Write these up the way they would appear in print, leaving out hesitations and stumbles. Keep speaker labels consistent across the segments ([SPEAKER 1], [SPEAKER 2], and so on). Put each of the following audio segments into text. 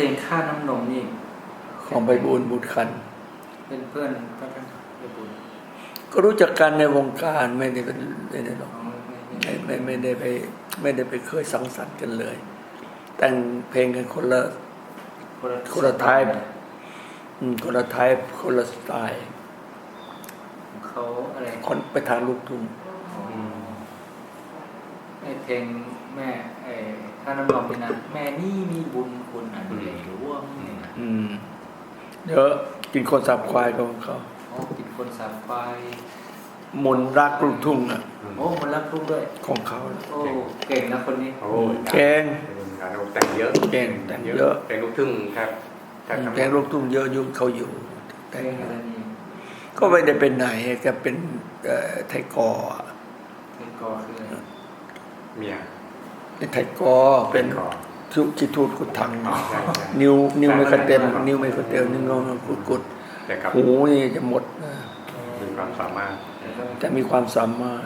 [SPEAKER 1] ลงค่าน้ำนมนี่
[SPEAKER 2] ของไพบูลย์บุตรขันธ์
[SPEAKER 1] เป็นเพื่อนพระท่านไพบูลย์
[SPEAKER 2] ก็รู้จักกันในวงการไม่ได้เป็นไม่หรอกไม่ได้ไปเคยสังสรรค์กันเลย แต่งเพลงกันคนละไทป์คนละไทป์คนละสไตล์
[SPEAKER 1] เขาอะไร
[SPEAKER 2] คนไปทางลูกทุ่ง
[SPEAKER 1] ไอเพลงแม่ไอถ้าน้ำนมเป็นนะแม่นี่มีบุญคุณอันใหญ่หลวงนี่นะ
[SPEAKER 2] เดี๋ยวกินคนสับควายของเขา
[SPEAKER 1] กินคนสับควาย
[SPEAKER 2] มนรักลูกทุ่งอ่ะ
[SPEAKER 1] มนรักลูกด้วย
[SPEAKER 2] ของเขา
[SPEAKER 1] เก่งนะคนนี้
[SPEAKER 2] เก่ง
[SPEAKER 3] แต่งเยอะ
[SPEAKER 2] เก่งแต่งเยอะ
[SPEAKER 3] เพลงลูกทุ่งครับ
[SPEAKER 2] เพลงลูกทุ่งเยอะยุ่งเขาอยู่
[SPEAKER 1] แต่งอะไรนี่
[SPEAKER 2] ก็ไม่ได้เป็นไหนก็เป็นไทยกอ
[SPEAKER 1] คือ
[SPEAKER 3] เมีย
[SPEAKER 2] เป็นไทยกอเป็นทุกิทูตกุดทังนิ้วไม่ค่อยเต็มนิ้วไม่ค่อยเต็มนิ้วงอกุดหูนี่จะหมด
[SPEAKER 3] มีความสามารถ
[SPEAKER 2] จะมีความสามารถ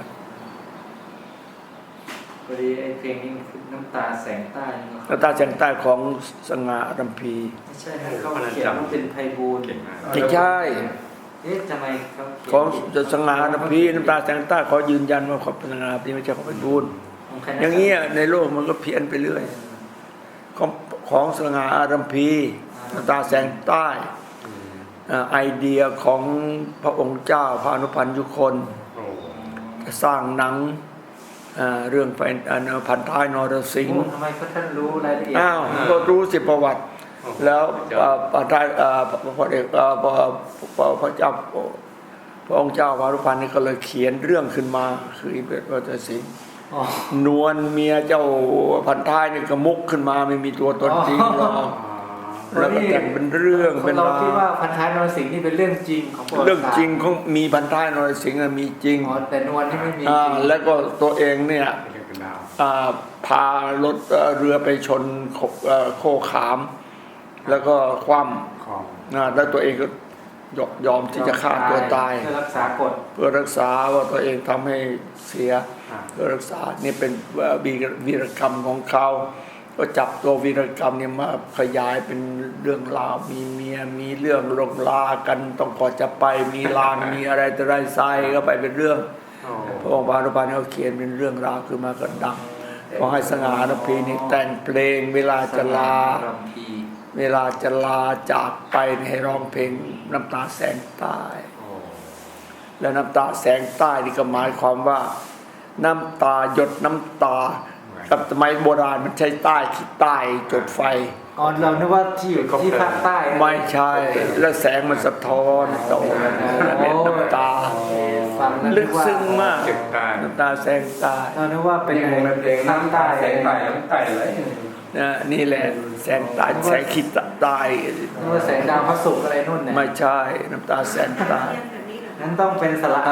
[SPEAKER 1] พอดีไอ้เพลงนี้น้ำตาแสงใต้
[SPEAKER 2] น้ำตาแสงใต้ของสง่าอรัมพี
[SPEAKER 1] ไม่ใช่เขาเขียนว่าเป็นไพบูลย์
[SPEAKER 2] ไม่ใช่
[SPEAKER 1] ทำไมเขา
[SPEAKER 2] ของสง่าอรัมพีน้ำตาแสงใต้ขอยืนยันว่าเขาเป็นสง่าอรัมพีไม่ใช่ของไพบูลย์อย่างเงี้ยในโลกมันก็เพี้ยนไปเรื่อยของสง่าอรัมพีน้ำตาแสงใต้ไอเดียของพระองค์เจ้าพระอนุพันธ์ยุคนจะสร้างหนังเรื่องพันท้ายนรสิงห์
[SPEAKER 1] ทำไมท่านรู้รายละเอียด
[SPEAKER 2] ก็รู้สิประวัติแล้วพันท้ายพระเอกพระเจ้าพระองค์เจ้าพระอนุพันธ์นี่ก็เลยเขียนเรื่องขึ้นมาคืออิเบตนรสิงห์นวลเมียเจ้าพันท้ายนี่ก็มุกขึ้นมาไม่มีตัวตนจริงหรอกแล้วก็แต่งเป็นเรื่องเป็น
[SPEAKER 1] ราวเราคิดว่าพันท้ายนรสิงห์นี่เป็นเรื่องจริงของ
[SPEAKER 2] เรื่องจริงของมีพันท้ายนรสิงห์มีจริง
[SPEAKER 1] แต่นวลนี่ไม่มีจริง
[SPEAKER 2] แล้วก็ตัวเองเนี่ยพารถเรือไปชนโคขามแล้วก็คว่ำแล้วตัวเองก็ยอมที่จะฆ่าตัวตาย
[SPEAKER 1] เพื่อรักษากฎ
[SPEAKER 2] เพื่อรักษาว่าตัวเองทำให้เสียเพื่อรักษานี่เป็นวีรกรรมของเขาก็จับตัววีรกรรมเนี่ยมาขยายเป็นเรื่องราวมีเมียมีเรื่องลงลากันต้องก่อนจะไปมีลางมีอะไรแต่ไรไซก็ไปเป็นเรื่องพระองค์พระอนุพันธ์เขาเขียนเป็นเรื่องราวขึ้นมาก็ดังขอให้สง่าอรัมพีนี่แต่งเพลงเวลาจะลาจากไปให้ร้องเพลงน้ำตาแสงใต้และน้ำตาแสงใต้นี่ก็หมายความว่าน้ำตาหยดน้ำตากับสมัยโบราณมันใช้ใต้ที่ใต้จุดไฟ
[SPEAKER 1] เรานึกว่าที่อยู่ที่ภาคใต้
[SPEAKER 2] ไม่ใช่แล้วแสงมันสะท้อนต่อน้ำตาลึกซึ้งมากน้ำตาแสงใต้
[SPEAKER 1] เรานึกว่าเป็นเพลงน้ำใต้
[SPEAKER 3] แสงใต้น้ำใต้เลย
[SPEAKER 2] นี่แหละแสงใต้แสงขีดใต้
[SPEAKER 1] นึกว่าแสงดาวพระศุกร์อะไรนู่นเนี่ย
[SPEAKER 2] ไม่ใช่น้ำตาแสงใต้
[SPEAKER 1] นั้นต้องเป็นสระ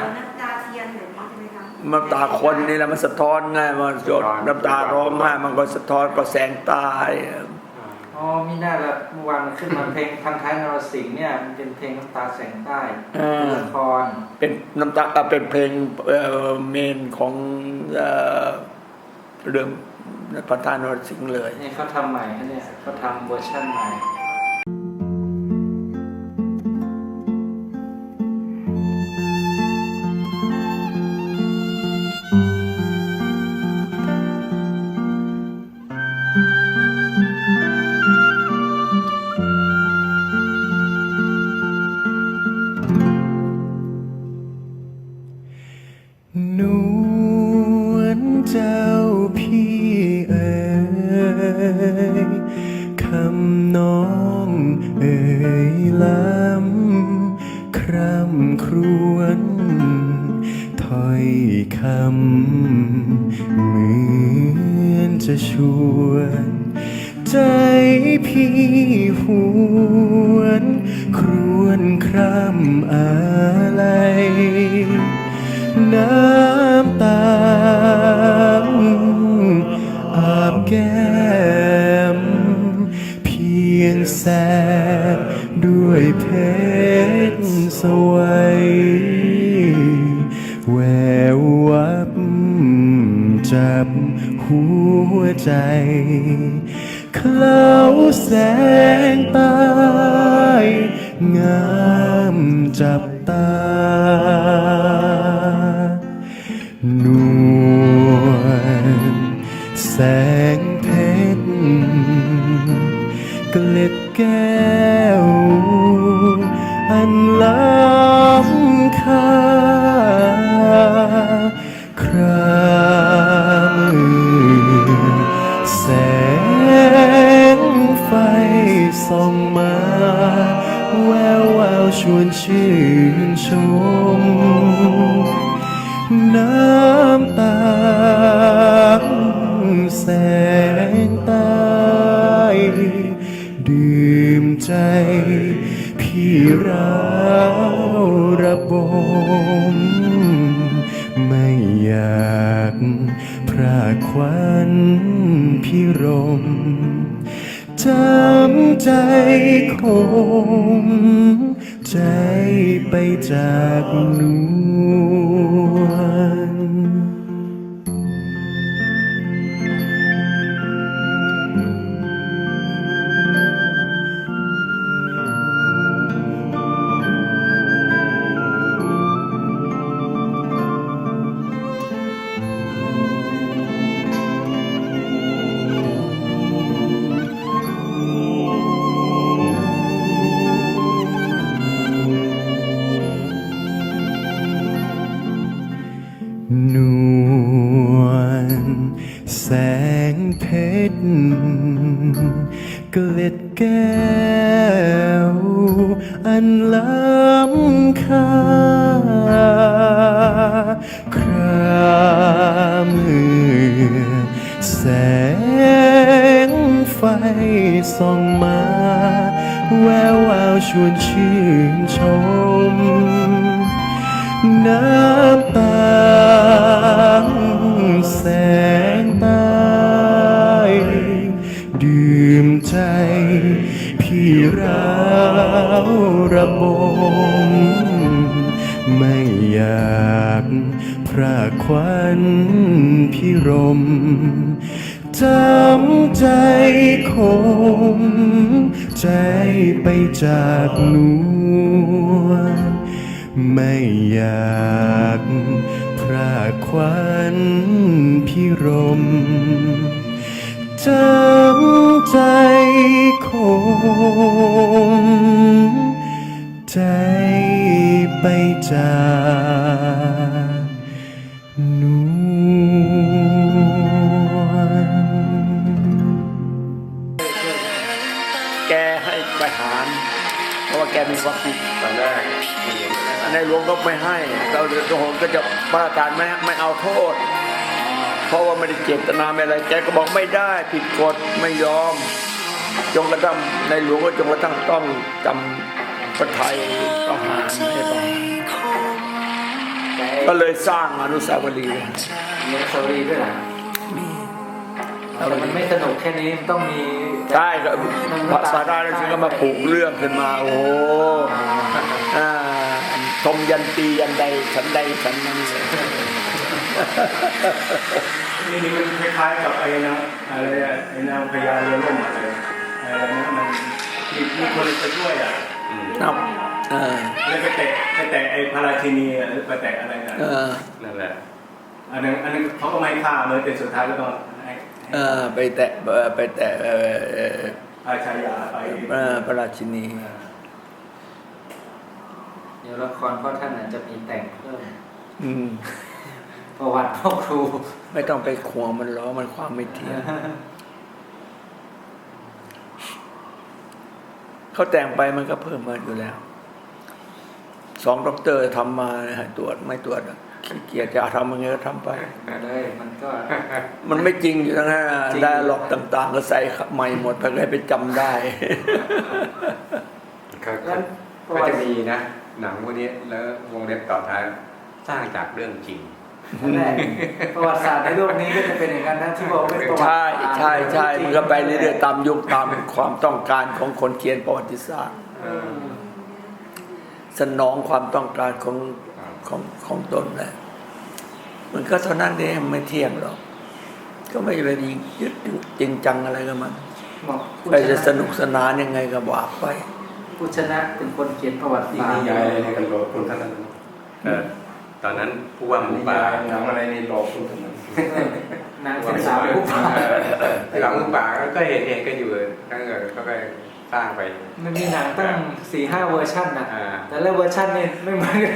[SPEAKER 2] น้ำตาคนนี่แหละมันสะท้อนง่ายมันจดน้ำตาร้องไห้มันก็สะท้อนก็แสงใต้
[SPEAKER 1] มีหน้าละเมื่อวานขึ้นมาเพลงพันท้ายนรสิงห์เนี่ยมันเป็นเพลงน้ำตาแสงใต้ละคร
[SPEAKER 2] เป็นน้ำตาเป็นเพลงเมนของเรื่องพันท้ายนรสิงห์เลย
[SPEAKER 1] นี่เขาทำใหม่เนี่ยเขาทำเวอร์ชันใหม่
[SPEAKER 4] นวลเจ้าพี่เอ๋ยคำน้องเอ๋ยล้ำคร่ำครวญถ้อยคำเหมือนจะชวนใจพี่หวนครวญคร่ำอะไรน้ำตาอาบแก้มเพียงแสบด้วยเพชรสวยแวววับจับหัวใจเคล้าแสงใต้งามจับตานวลแสงเพชรเกล็ดแก้วอันล้ำค่าครามือแสงไฟส่องมาแวววาวชวนชื่นชมน้ำตาแสงใต้ดื่มใจพี่ร้าวระบมไม่อยากพรากควันพิรมจำใจคมใจไปจากนวลนวลแสงเพชรเกล็ดแก้วอันล้ำค่าครามือแสงไฟส่องมาแวววาวชวนชื่นชมน้ำตาแสงใต้ดื่มใจพี่ร้าวระบมไม่อยากพรากควันพิรมจำใจคมใจไปจากนวลไม่อยากพรากควันพิรมจำใจคมใจไปจากนวล
[SPEAKER 2] แกให้ไปหารเพราะว่าแกมีความผิด
[SPEAKER 3] ตอนแรก
[SPEAKER 2] ในหลวงก็ไม่ให้เราโหนก็จะประกาศไม่เอาโทษ เพราะว่าไม่ได้เจตนาไม่อะไรแกก็บอกไม่ได้ผิดกฎไม่ยอมจงกระทั่งในหลวงก็จงกระทั่งต้องจำพระไทยประหารให้ประหารก็เลยสร้างอนุสาวรีย์
[SPEAKER 1] มีอนุสาวรีย์ด้วยเหรอแต่มันไม่สนุกแค่นี้มันต้องมี
[SPEAKER 2] ใช่ก็พระสาราแล้วฉันก็มาปลูกเรื่องขึ้นมาโอ้โหชมยันตียันใดฉันใดฉันนั้น
[SPEAKER 5] นี่มันคล้ายๆกับไอ้นะอะไรอะไอ้นางพญาเรือล่มอะไรนะมันมีคนไปช่วยอ่ะ
[SPEAKER 2] ครับ
[SPEAKER 5] แล้วไปแตะไอ้พระราชินีหรือไปแตะอะไรกัน
[SPEAKER 3] นั่นแหละ
[SPEAKER 5] อันนั้นเขาก็ไม่ฆ่าเลยแต่สุดท้ายก็ต้องให้
[SPEAKER 2] ไปแตะ
[SPEAKER 5] อาชายาไป
[SPEAKER 2] พระราชินี
[SPEAKER 1] เดี๋ยวละครพ่อท่านอาจจะมีแต่งเพิ่ม
[SPEAKER 2] ม
[SPEAKER 1] ประวัติพ่อครู
[SPEAKER 2] ไม่ต้องไปขวงมันล้อมันความไม่เที่ยงเขาแต่งไปมันก็เพิ่มมาอยู่แล้ว2 ด็อกเตอร์ทำมาตรวจไม่ตรวจขี้เกียจจะทำยังไงก็ทำไป
[SPEAKER 1] เลยมันก็
[SPEAKER 2] มันไม่จริงอยู่ทั้งนั้นได้หลอกต่างๆก็ใส่ใหม่หมดเพื่อให้ไปจำได้
[SPEAKER 3] ก็จะมีนะหนังพวกนี้แล้ววงเล็บต่อท้ายสร้างจากเรื่องจริง
[SPEAKER 1] นั่นแหละประวัติศาสตร์ในโลกนี้ก็จะเป็นอย่างนั้นนะที่บอกเป็นประวัติ
[SPEAKER 2] ใช่
[SPEAKER 1] ศาสตร์
[SPEAKER 2] ใช่ใช่มันก็ไปเรื่อยๆตามยุคตามความต้องการของคนเขียนประวัติศาสตร์สนองความต้องการของตนแหละมันก็เท่านั้นเองไม่เที่ยงหรอกก็ไม่ไปยึดจริงจังอะไรกับมัน
[SPEAKER 1] บอกผู้
[SPEAKER 2] ใคร
[SPEAKER 1] ช
[SPEAKER 2] จะ
[SPEAKER 1] นะ
[SPEAKER 2] สนุกสนานยังไงก็ว่าไป
[SPEAKER 1] ผู้ชนะเป็นคนเขียนประวัติ
[SPEAKER 5] อีก
[SPEAKER 1] ศาสต
[SPEAKER 5] นิ
[SPEAKER 1] ร์
[SPEAKER 5] ยายอะไรในกันหลอกคนทั้งนั้น
[SPEAKER 3] ตอนนั้นผู้ว่าหมู
[SPEAKER 5] นิ
[SPEAKER 3] ป่าย
[SPEAKER 5] ายหนังอะไรในหลอกคนทั้งนั้น
[SPEAKER 1] นางเป็นสาวผู้ป่า
[SPEAKER 3] หลังหมูป่าก็เห็นกันอยู่ตั้งแต่ก็ไปสร้างไป
[SPEAKER 1] มันมีหนังตั้ง 4-5 เวอร์ชันนะ
[SPEAKER 3] อ่า
[SPEAKER 1] แต่ละเวอร์ชันนี่ไม่เหมือนกัน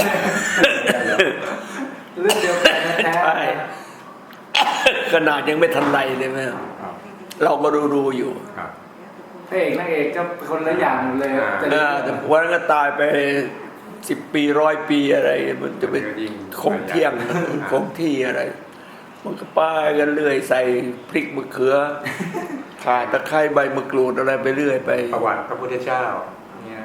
[SPEAKER 1] เรื่องเดียวกันแท้
[SPEAKER 2] ใช่ ขนาดยังไม่ทันไรเลยไหม
[SPEAKER 3] ครับ
[SPEAKER 2] เราก็ดูอยู่
[SPEAKER 3] ครับ
[SPEAKER 1] พระเอกนางเอกก็คนละอย่างหมดเลย
[SPEAKER 2] แต่วันนั้นก็ตายไป10 ปี100 ปีอะไร มันจะไปคงเที่ยงคงที่อะไร มันก็ป้ายกันเรื่อยใส่พริกมะเขือข่าตะไคร้ใบมะกรูดอะไรไปเรื่อยไป
[SPEAKER 3] ประวัติพระพุทธเจ้าเนี่ย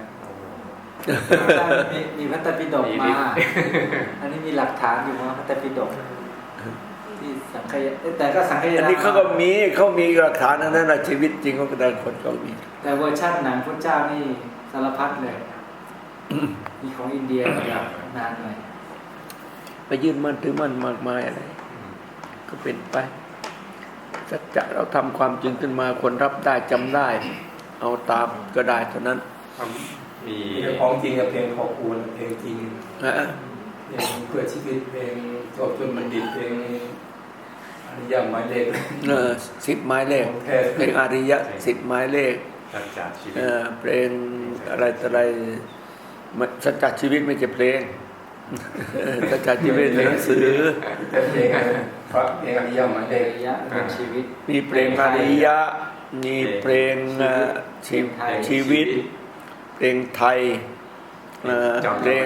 [SPEAKER 1] มีพระไตรปิฎก
[SPEAKER 3] มี
[SPEAKER 1] มา
[SPEAKER 3] ลิข
[SPEAKER 1] อันนี้มีหลักฐานอยู่ว่าพระไตรปิฎกที่สังคายแต่ก็สังคาย
[SPEAKER 2] อันนี้เขาก็มีหลักฐานนั้นนะชีวิตจริงของแต่ละคนก็มี
[SPEAKER 1] แต่เวอร์ชันหนังพระเจ้านี่สารพัดเลยมีของอินเดียแบบนานหน่อย
[SPEAKER 2] ไปยื่นมันถือมันมากมายอะไรก็เป็นไปสัจจะเราทำความจริงขึ้นมาคนรับได้จำได้ เอาตามก็ได้เท่านั้น
[SPEAKER 3] มี
[SPEAKER 5] ของจริงกับเพลงขอบคุณเพลงจริง
[SPEAKER 2] นะ
[SPEAKER 5] เพลงเพื่อชีวิตเพลงจบจนบัณฑิตเพลงอริยหมายเลข
[SPEAKER 2] 10 หมายเลข
[SPEAKER 5] ของแท้
[SPEAKER 2] เพลงอาริยะ10 หมายเลข
[SPEAKER 3] สัจจะชีวิต
[SPEAKER 2] เพลงอะไรต่ออะไรสัจจะชีวิตไม่ใช่เพลงสัจจะชีวิตเป็นหนังสือ
[SPEAKER 5] แต่เพลงพระเพลงอริยหมายเลข
[SPEAKER 1] ระยะเป็นชีวิต
[SPEAKER 2] มีเพลงอาริยะมีเพลงชีวิต เพลงไทยเพลง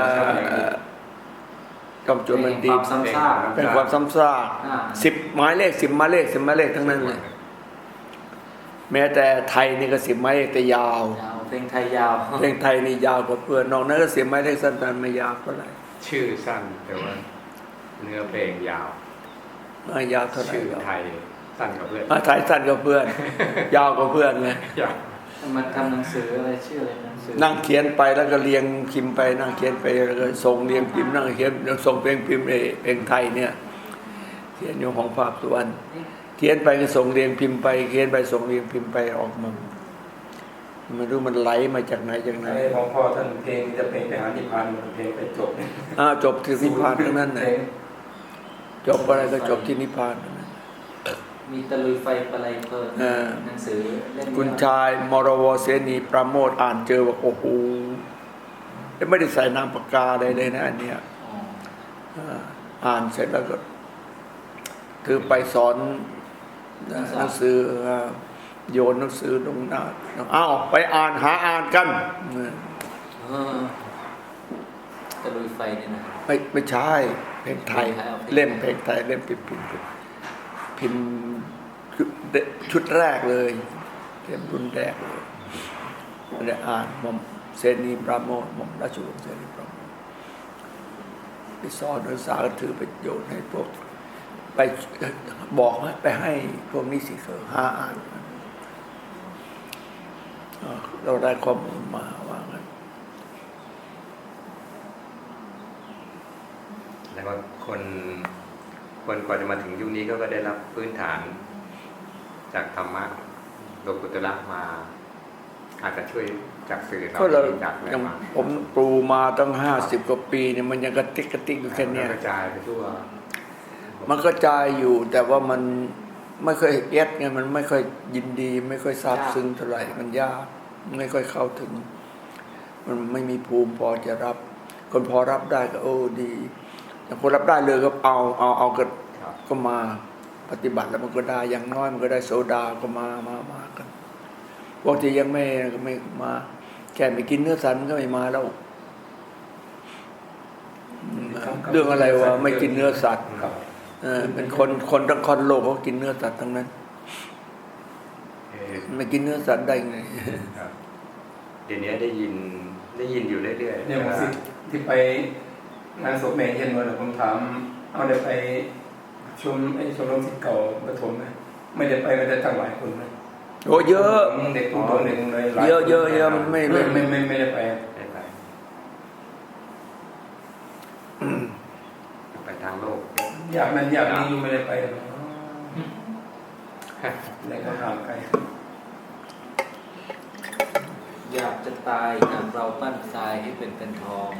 [SPEAKER 2] จอมโจรบัณฑิต
[SPEAKER 1] ซ้ำซาก
[SPEAKER 2] เป็นความซ้ำซาก 10 หมายเลข 10 หมายเลข 10 หมายเลขทั้งนั้นเลยแม้แต่ไทยนี่ก็10 หมายเลขแต่ยาว
[SPEAKER 1] เพลงไทยยาว
[SPEAKER 2] เพลงไทยนี่ยาวกว่าเพื่อนนอกนั้นก็10 หมายเลขสั้นๆไม่ยาวเท่าไหร่
[SPEAKER 3] ชื่อสั้นแต่ว่าเนื้อเพลงยาว
[SPEAKER 2] ไม่ยาวเท่าไหร่
[SPEAKER 3] ชื่อไทยสั้นกว่าเพื่อน
[SPEAKER 2] ไทยสั้นกว่าเพื่อน ยาวกว่าเพื่อนไง
[SPEAKER 3] ยาว
[SPEAKER 1] มันทำหนังสืออะไรชื่ออะไรหนังสือ
[SPEAKER 2] นั่งเขียนไปแล้วก็เรียงพิมพ์ไปนั่งเขียนไปแล้วก็ส่งเรียงพิมพ์นั่งเขียนส่งเพลงพิมพ์เพลงไทยเนี่ยเขียนอยู่ของภาคสุวรรณเขียนไปก็ส่งเรียงพิมพ์ไปเขียนไปส่งเรียงพิมพ์ไปออกมาไม่รู้มันไหลมาจากไหนจากไหน
[SPEAKER 5] ไอ้ของพ่อท่านเพลงจะเพลงไปหานิพพานเพลงไปจบ
[SPEAKER 2] จบที่นิพพานทั้งนั้นเลยจบอะไรก็จบที่นิพพานทั้งนั้น
[SPEAKER 1] มีตะลุยไฟประไลเพลินหนังสือเล่ม
[SPEAKER 2] คุณชายมรวเสนีประโมทอ่านเจอว่าโอ้โหไม่ได้ใส่นามปากกาใดเลยนะอันเนี้ยอ่านเสร็จแล้วก็คือไปสอนหนังสือโยนหนังสือลงหน้าอ้าวไปอ่านหาอ่านกัน
[SPEAKER 1] ตะลุยไฟเนี่ยนะ
[SPEAKER 2] ไม่ใช่เพลงไทยเล่มเพลงไทยเล่มพิมพ์ชุดแรกเลยเล่มรุ่นแรกเลยได้อ่านหม่อมเสนีปราโมทหม่อมราชวงศ์เสนีปราโมทไปสอนนักศึกษาก็ถือไปโยนให้พวกไปบอกไปให้พวกนิสิตหาอ่านเราได้ข้อมูลมาว่างั้น
[SPEAKER 3] แล้วก็คนกว่าจะมาถึงยุคนี้ก็ได้รับพื้นฐาน จากธรรมะโลกุตระมา อาจจะช่วยจากสื่อ
[SPEAKER 2] ก็เรา
[SPEAKER 3] จากอะไร
[SPEAKER 2] ยัง
[SPEAKER 3] มา
[SPEAKER 2] ผมปลูมาตั้ง50 กว่าปีเนี่ยมันยังกระติกอยู่แค่เนี้ย
[SPEAKER 3] กระจายไปทั่ว
[SPEAKER 2] มันกระจายอยู่แต่ว่ามันไม่ค่อยเอ็ดไงมันไม่ค่อยยินดี ไม่ค่อยซาบซึ้งเท่าไหร่มันยากไม่ค่อยเข้าถึง มันไม่มีภูมิพอจะรับ คนพอรับได้ก็โอ้ดีแต่คนรับได้เลยก็เอาก็มาปฏิบัติแล้วมันก็ได้อย่างน้อยมันก็ได้โสดาก็มากันพวกที่ยังไม่มาแค่ไม่กินเนื้อสัตว์มันก็ไม่มาแล้วเรื่องอะไรวะไม่กินเนื้อสัตว์เป็นคนทั้งคนโลกเขากินเนื้อสัตว์ทั้งนั้นไม่กินเนื้อสัตว์ได้ไง
[SPEAKER 3] เดี๋ยวนี้ได้ยินอยู่เรื่อยๆ
[SPEAKER 5] เนี่ยผมสิที่ไปงานศพแม่เย็นวันผมถามเอาได้ไปชมรมศิษย์เก่าปฐมไหมไม่ได้ไปไม่ได้ตั้งหลายคนนะ
[SPEAKER 2] โอ้เยอะ
[SPEAKER 5] เด็กผู้เด็กเลยหลาย
[SPEAKER 2] เยอะมันไม่
[SPEAKER 5] ไม่ได้ไป
[SPEAKER 3] ไปทางโลก
[SPEAKER 5] อยากนี้อยู่ไม่ได้ไปเลยก็ห่างไกล
[SPEAKER 1] อยากจะตายหากเราปั้นทรายให้เป็นทอง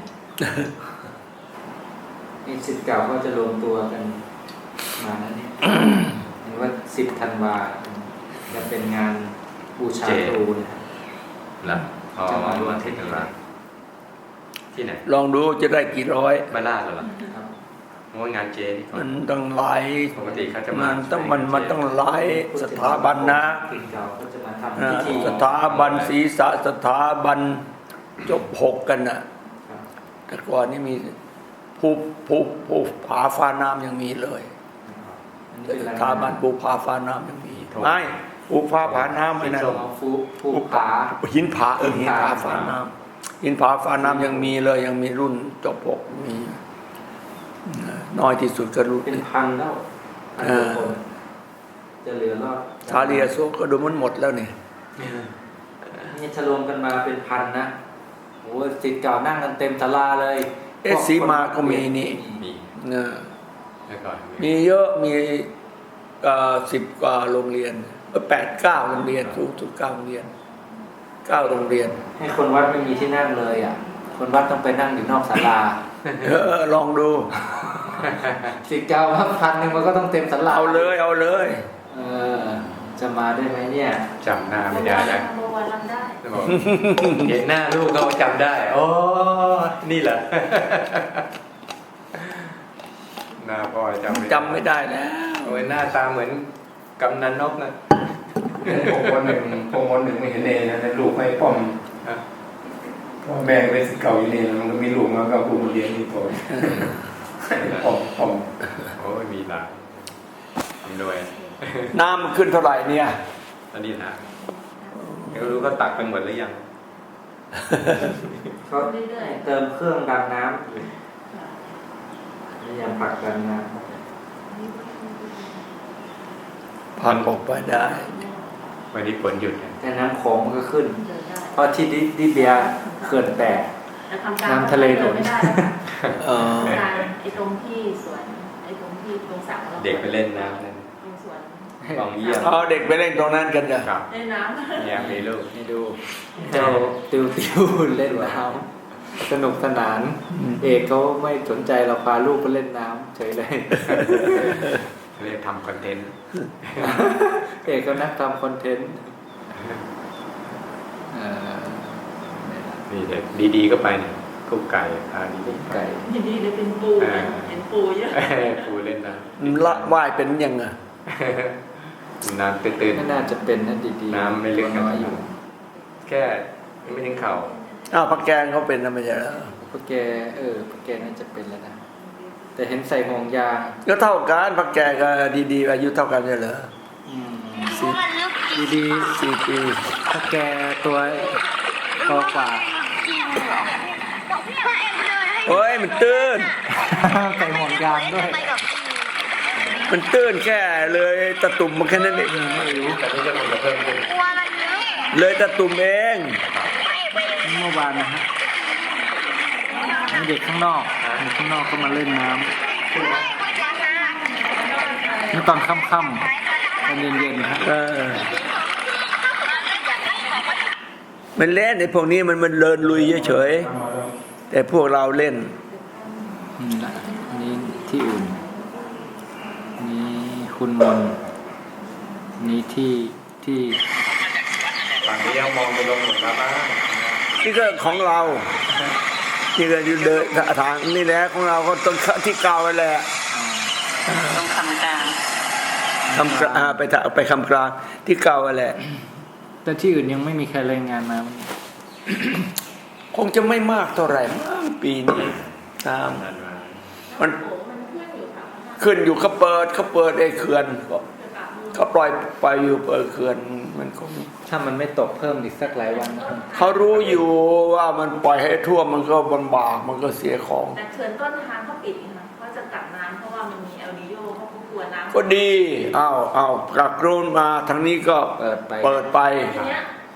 [SPEAKER 1] นี่ศิษย์เก่าก็จะรวมตัวกันมาแล้วเนี่ย เห็นว่า10 ธันวาจะเป็นงานบูชาครูนะครับ
[SPEAKER 3] แล้วพอวันที่หนึ่งละที่ไหน
[SPEAKER 2] ลองดูจะได้กี่ร้อย
[SPEAKER 3] บ้านลาดเหรอ
[SPEAKER 1] ครับ
[SPEAKER 3] โอ้ยงานเจนี่ก่อ
[SPEAKER 2] มัน นต้องหลาย
[SPEAKER 3] ปกติเขาจะ
[SPEAKER 2] มั
[SPEAKER 3] มาน
[SPEAKER 2] ต้องมันต้องหลายสถาบันนะ
[SPEAKER 1] ศิษย์เก่าก็จะมาทำพิธี
[SPEAKER 2] สถาบันศีรษะสถาบันจบ6กันน่ะ
[SPEAKER 1] ครับ
[SPEAKER 2] แต่ก่อนนี่มีภูผาฟ้าน้ำยังมีเลย
[SPEAKER 1] อันนี้เป็น
[SPEAKER 2] ส
[SPEAKER 1] ราย
[SPEAKER 2] ถาบันภูผาฟ้าน้ำยังมีไม่ภูผาฟ้าน้ำไม่
[SPEAKER 1] เป็น
[SPEAKER 2] นั่น
[SPEAKER 1] ทรงของภูผา
[SPEAKER 2] หินผาหินผาฟ้าน้ำหินผาฟ้าน้ำยังมีเลยยังมีรุ่นจบ6มีน้อยที่สุดก็รุ่น
[SPEAKER 1] เป็นพันแล้วพันกว่าคนจะเหลือรอด
[SPEAKER 2] ชาลีอโศกก็ดูมันหมดแล้วนี่
[SPEAKER 1] นี่จะรวมกันมาเป็นพันนะโอ้ศิษย์เก่านั่งกันเต็มศาลาเลย
[SPEAKER 2] สีมาก็มีนี่
[SPEAKER 3] มี
[SPEAKER 2] นะ
[SPEAKER 3] แล้วก่อน
[SPEAKER 2] มีเยอะมี10 กว่าโรงเรียน8-9โรงเรียนสูงสุด9โรงเรียน9โรงเรียน
[SPEAKER 1] ให้คนวัดไม่มีที่นั่งเลยอ่ะ คนวัดต้องไปนั่งอยู่นอกศาลา
[SPEAKER 2] ลองดู
[SPEAKER 1] ศิษย์เก่าว่าพันหนึ่งมันก็ต้องเต็มศาลา
[SPEAKER 2] เอาเลยเอาเลย
[SPEAKER 1] เออจะมาได้ไหมเนี่ย
[SPEAKER 3] จำหน้าไม่ได้แล้ว
[SPEAKER 6] เมื่อวานรำได้
[SPEAKER 3] บอกเห็นหน้าลูกเขาจำได้โอ้นี่เหรอ หน้าพ่อจำไม่ได้
[SPEAKER 2] จำไม่ได้แล้ว
[SPEAKER 3] โอ้ยหน้าตาเหมือนกำนันนกนะ
[SPEAKER 5] ผมวันหนึ่งไม่เห็นเนนะลูกให้ป้อมพ่อแม่เป็นศิษย์เก่าอยู่เนมันก็มีลูกมาก็ผู้มาเรียนที่โตป้อม
[SPEAKER 3] โอ้ยมีหลายทำด้วย
[SPEAKER 2] น้ำมันขึ้นเท่าไหร่เนี่ย
[SPEAKER 3] อันนี้นะไม่รู้ก็ตักไปหมดหรือยัง
[SPEAKER 1] เขาเติมเครื่องดันน้ำอยู่พยายามผลักดันน้
[SPEAKER 2] พันออกไปได้
[SPEAKER 3] วันนี้ฝนหยุด
[SPEAKER 1] ำแต่น้ำโขงมันก็ขึ้น
[SPEAKER 6] เดินได้
[SPEAKER 1] เพราะที่ดิเบียเขื่อนแตก
[SPEAKER 6] แต่ทำการ
[SPEAKER 1] น้ำทะเลหนุน
[SPEAKER 6] ไม่ได้
[SPEAKER 2] เออ
[SPEAKER 6] การไอ้ตรงที่สวนไอ้ตรงที่ตรงสระเรา
[SPEAKER 3] เด็กไปเล่นน้ำนั่น
[SPEAKER 6] ตรงสวน
[SPEAKER 3] กองเยี่ยม
[SPEAKER 2] เอาเด็กไปเล่นตรงนั้นกันเหรอ
[SPEAKER 3] ครับ
[SPEAKER 6] เล่นน้ำ
[SPEAKER 3] เนี่ยมีลูก
[SPEAKER 1] ให้ดู เจ้าติวเล่นน้ำสนุกสนาน เอกเขาไม่สนใจเราพาลูกไปเล่นน้ำเฉยเลย
[SPEAKER 3] เรียกทำคอนเทนต์
[SPEAKER 1] เอกก็นักทำคอนเทนต์เอ่อ
[SPEAKER 3] นี่เด็กดีๆก็ไปเนี่ยกุ๊กไก่พาดี
[SPEAKER 1] ไก่
[SPEAKER 6] ยินดีเลยเป็นปูเห็นปูเยอะ
[SPEAKER 3] ๆปูเล่นน้
[SPEAKER 2] ละว่ายเป็นยังไง
[SPEAKER 3] ำน้ำตื้น
[SPEAKER 1] ไม่น่าจะเป็นนะดีๆ
[SPEAKER 3] น้ำไม่ลึก
[SPEAKER 1] น้อยอยู่
[SPEAKER 3] ๆแค่ไม่ถึงเข่า
[SPEAKER 2] อ้าวพักแกงเขาเป็นนะไม่ใช่เหรอ
[SPEAKER 1] พวกแกพวกแกน่าจะเป็นแล้วนะ แต่เห็นใส่ห่วงยาง
[SPEAKER 2] ก็เท่ากันพักแกงกับดีๆอายุเท่ากันใช่เหรอ
[SPEAKER 1] ดี
[SPEAKER 2] 4 ปี
[SPEAKER 1] ๆพวกแกตัวโตกว่า
[SPEAKER 2] โอ้ยมันตื้น
[SPEAKER 1] ใส่ห่วงยางด้วย
[SPEAKER 2] มันตื้นแค่เลยตะตุ่มมันแค่นั้นเอง
[SPEAKER 1] ไม่รู้
[SPEAKER 3] แต่นี่จะมันจะเพิ่มขึ้น
[SPEAKER 2] เลยตะตุ่มเอง
[SPEAKER 1] เมื่อวานนะฮะมีเด็กข้างนอกก็มาเล่นน้ำนี่ตอนค่ำๆตอนเย็นๆฮะ
[SPEAKER 2] มันเล่นไอ้พวกนี้มันเลินลุยเฉยๆแต่พวกเราเล่น
[SPEAKER 1] นี่ที่อื่นนี่คุณมนนี่ที่
[SPEAKER 3] ฝั่งนี้ยังมองไปลงหมดแล้วบ้าง
[SPEAKER 2] นี่ก็ของเรา นี่ก็อยู่เดินทางนี่แหละของเราก็ต้องที่เก่าไปแหละ
[SPEAKER 6] ต้องทำการ
[SPEAKER 2] ไปคำกลางที่เก่าไปแหละ
[SPEAKER 1] แต่ที่อื่นยังไม่มีใครรายงานมา
[SPEAKER 2] คงจะไม่มากเท่าไหร่มั้งปีนี้ตาม
[SPEAKER 3] นั่นมา
[SPEAKER 2] มัน
[SPEAKER 6] มันขึ้นอยู่ค่ะ
[SPEAKER 2] ขึ้นอยู่เขาเปิดไอ้เขื่อนเขาปล่อยไปอยู่เปิดเขื่อนมันคง
[SPEAKER 1] ถ้ามันไม่ตกเพิ่มอีกสักหลายวันนะ
[SPEAKER 2] เขารู้อยู่ว่ามันปล่อยให้ท่วมมันก็ลำบากมันก็เสียของ
[SPEAKER 6] แต่เขื่อนต้นทางเขาปิดนะเขาจะกักน้ำเพราะว่ามันมีเอลนิโยเขากลัวน้ำ
[SPEAKER 2] ก็ดีเอากลักโรนมาทางนี้ก็
[SPEAKER 1] เปิดไป
[SPEAKER 2] เปิดไป
[SPEAKER 6] ทีเนี้ยพอ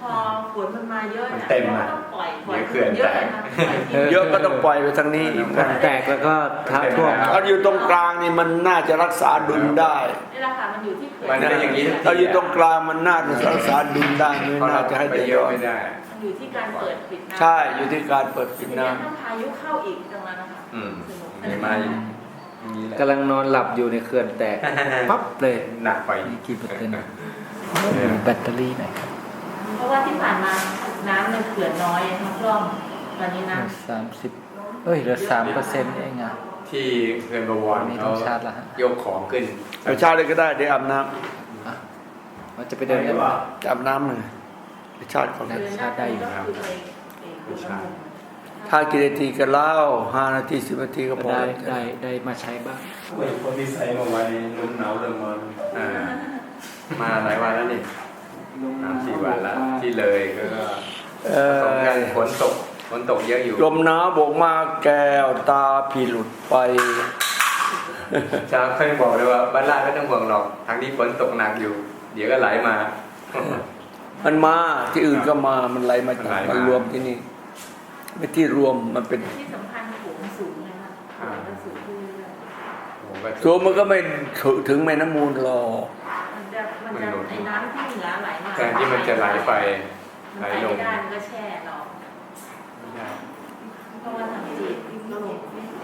[SPEAKER 6] พอฝนมันมาเยอะ
[SPEAKER 3] มัน
[SPEAKER 6] เนี่ย
[SPEAKER 3] เต็ม
[SPEAKER 6] ก็
[SPEAKER 3] อะ
[SPEAKER 6] ต้องปล่อย
[SPEAKER 3] เดี๋ยวเขื่อน
[SPEAKER 6] เยอะ
[SPEAKER 3] แตก
[SPEAKER 6] นะปล่อยทิ้ง
[SPEAKER 2] เยอะก็ต้องปล่อยไปทางนี้อีก
[SPEAKER 1] มันแตกแล้วก็ท้าท่วม
[SPEAKER 2] ถ้าอยู่ตรงกลางนี่มันน่าจะรักษาดุลได้
[SPEAKER 6] นี่แหละค่ะมันอยู่ที่เขื่อน
[SPEAKER 3] มันเป็นอย่างนี้
[SPEAKER 2] ถ้าอยู่ตรงกลางมันน่าจะรักษาดุลได้ไม่
[SPEAKER 3] เพราะ
[SPEAKER 2] น่า
[SPEAKER 3] เรา
[SPEAKER 2] จะให้
[SPEAKER 3] ไป
[SPEAKER 2] เดือด
[SPEAKER 3] เยอะ
[SPEAKER 2] ร้อน
[SPEAKER 3] ไม่ได้
[SPEAKER 6] มันอยู่ที่การเปิดปิดน้ำ
[SPEAKER 2] ใช่อยู่ที่การเปิดปิด
[SPEAKER 6] ที
[SPEAKER 2] น้
[SPEAKER 6] นี้ถ้าพายุเข้าอีกตรงนั้นนะคะ
[SPEAKER 3] อืม
[SPEAKER 6] สนุก
[SPEAKER 3] มีมาอย่างนี้แหละ
[SPEAKER 1] กำลังนอนหลับอยู่ในเขื่อนแตก ปั๊บเลย
[SPEAKER 3] หนักไป
[SPEAKER 1] นี่กี่เปอร์เซ็นต์แบตเตอรี่หน่อยครับ
[SPEAKER 6] เพราะว่าที่ผ่านมาน้ำในเขื่อนน้อยทั้งร่องตอนนี้น้
[SPEAKER 1] 30เอ้ยเหลือ3%เองอ่ะ
[SPEAKER 3] ที่เขื่อนบวร
[SPEAKER 1] นี่ต้
[SPEAKER 3] เขา
[SPEAKER 1] องชาร์จละฮะ
[SPEAKER 3] ยกของขึ้น
[SPEAKER 2] ำเอาเช้าเลยก็ได้เดี๋ยวอาบน้
[SPEAKER 1] เราจะไปเดินกัน
[SPEAKER 2] ำจะอาบน้ำหน่อยไปชาติก่อน
[SPEAKER 6] ำเดือนหน้าก็คือไปดูละมุน
[SPEAKER 2] ถ้ากี่นาทีก็เล่า5 นาที 10 นาทีก็พอ
[SPEAKER 1] ได้มาใช้บ้าง
[SPEAKER 5] คนที่ใส่มาไว้ลมหนาวเริ่มมา
[SPEAKER 3] อ่ามาหลายวันแล้วนี่3-4 วันแล้วที่เลยก็
[SPEAKER 2] เอ
[SPEAKER 3] ผสมกัน
[SPEAKER 2] อ
[SPEAKER 3] ฝนตกเยอะอยู่
[SPEAKER 2] ลมหนาวโบกมาแก้วตาพี่หลุดไป
[SPEAKER 3] จะเพิ่งบอกเลยว่าบ้านลาดไม่ต้องห่วงหรอกทางนี้ฝนตกหนักอยู่ เดี๋ยวก็ไหลมา
[SPEAKER 2] มันมาที่อื่นก็มามันไหลมา
[SPEAKER 3] มันไหลมา
[SPEAKER 2] มันรวมที่นี่ไม่ที่รวมมันเป็น
[SPEAKER 6] ที่สำคัญโขงสูงเลยค่ะโขงมันสูงขึ้นเรื่อย
[SPEAKER 3] โอ้โหก็
[SPEAKER 2] ตัวมันก็ไม่ถึงแม่น้ำมูลหรอก
[SPEAKER 6] ๆมันจะไอ้น้ำที่เหนือไหลมา
[SPEAKER 3] แทนที่มันจะไหลไป
[SPEAKER 6] มัน
[SPEAKER 3] ไหล
[SPEAKER 6] ไป
[SPEAKER 3] ล
[SPEAKER 6] ไม่
[SPEAKER 3] ง
[SPEAKER 6] ได้มันก็แช่เรา
[SPEAKER 3] ไม่ได้
[SPEAKER 6] เพราะว่าทางจีนก็ลง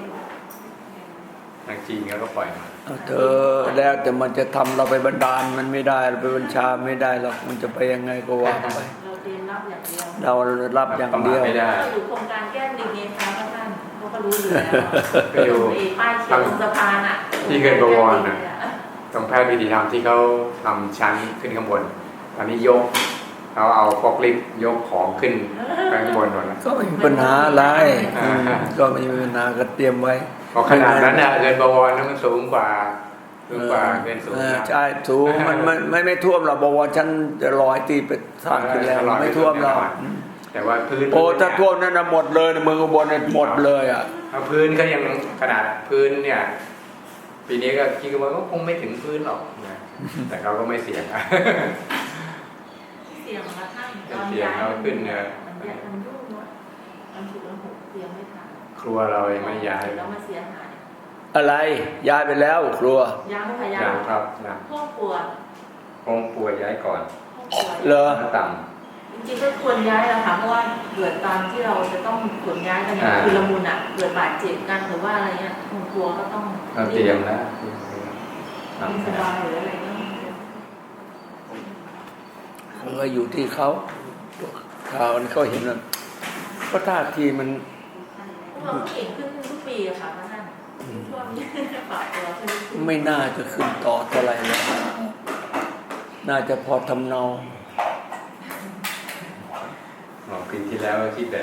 [SPEAKER 3] ทางจีนก็ปล่อยมา
[SPEAKER 2] เอาเธอแล้วแต่มันจะทำเราไปบันดาลมันไม่ได้เราไปบัญชาไม่ได้หรอกมันจะไปยังไงก็ว่าไป
[SPEAKER 6] เราเรียนรับอย่างเดียว
[SPEAKER 2] เรารับอย่างเดียว
[SPEAKER 3] ประมาทไม่ได้
[SPEAKER 6] เราอยู่โครงการแก้มลิงเองค่ะท่านเขาก็รู้อยู่แล้ว
[SPEAKER 3] ไปดู
[SPEAKER 6] ไอ้ป้ายเขียนตรงสะพานอ่ะ
[SPEAKER 3] ที่เขื่อนบวรน่ะ ตรงแพทย์วิธีธรรมที่เขาทำชั้นขึ้นข้างบน ตอนนี้ยกเขาเอาฟอกลิฟต์ยกของขึ้นไปข้างบนหมดแล้ว
[SPEAKER 2] ก็ไม่มีปัญหาอะไรก็ไม่มีปัญหาก็เตรียมไว้
[SPEAKER 3] พอขนาดนั้นน่ะเกินบวรนั้นมันสูงกว่าเกินสูง
[SPEAKER 2] ใช่สูงมันไม่ท่วมหรอกบอกว่าฉันจะลอยตีไปสร้างขึ้นแล้วไม่ท่วมหรอก
[SPEAKER 3] แต่ว่าพื้น
[SPEAKER 2] โอ้ถ้าท่วมนั่นนะหมดเลยเมืองอุบลเนี่ยหมดเลยอ่ะ
[SPEAKER 3] เอาพื้นก็ยังขนาดพื้นเนี่ย ปีนี้ก็คิดว่าก็คงไม่ถึงพื้นหรอกนะแต่เขาก็ไม่เสี่ยง
[SPEAKER 6] เสียงมาท่าน
[SPEAKER 3] เสียงเราขึ้นเนี่ย
[SPEAKER 6] มันแยกมันยุ่งเนาะมันถูกมันหกเสียงไม่ทัน
[SPEAKER 3] ครัวเรายังไม่ย้าย
[SPEAKER 6] แล้วมาเสียหาย
[SPEAKER 2] อะไรย้ายไปแล้วครัว
[SPEAKER 6] ยังพยายา
[SPEAKER 3] ยั
[SPEAKER 6] ม
[SPEAKER 3] งครับนะ
[SPEAKER 6] ครอบครัว
[SPEAKER 3] คงป่วยย้ายก่อน
[SPEAKER 6] ครอบครัว
[SPEAKER 2] เหรอ
[SPEAKER 3] หน้าต่
[SPEAKER 6] จริงๆก็ควรย้ายแล้วค่ะเพราะว่าเกิดตามที่เราจะต้องขนย้ายกันเนี่ยคือละมุนอ่ะเกิดบาดเจ็บกันหรือว่าอะไรเงี้ยครอบครัวก็ต้อง
[SPEAKER 3] เราเตรียมแล้ว
[SPEAKER 6] ไม่สบายหรืออะไรเงี้ย
[SPEAKER 2] มันก็อยู่ที่เขาข่าวเขาเห็นว่าก็ท่าทีมัน
[SPEAKER 6] พวกเราเก่งขึ้นทุกปีอะค่ะท่านช่วงนี้ปรับตัวขึ้นทุกปี
[SPEAKER 2] ไม่น่าจะขึ้นต่อเท่าไหร่แล้วน่าจะพอทำเนา
[SPEAKER 3] ปีที่แล้วที่แบบ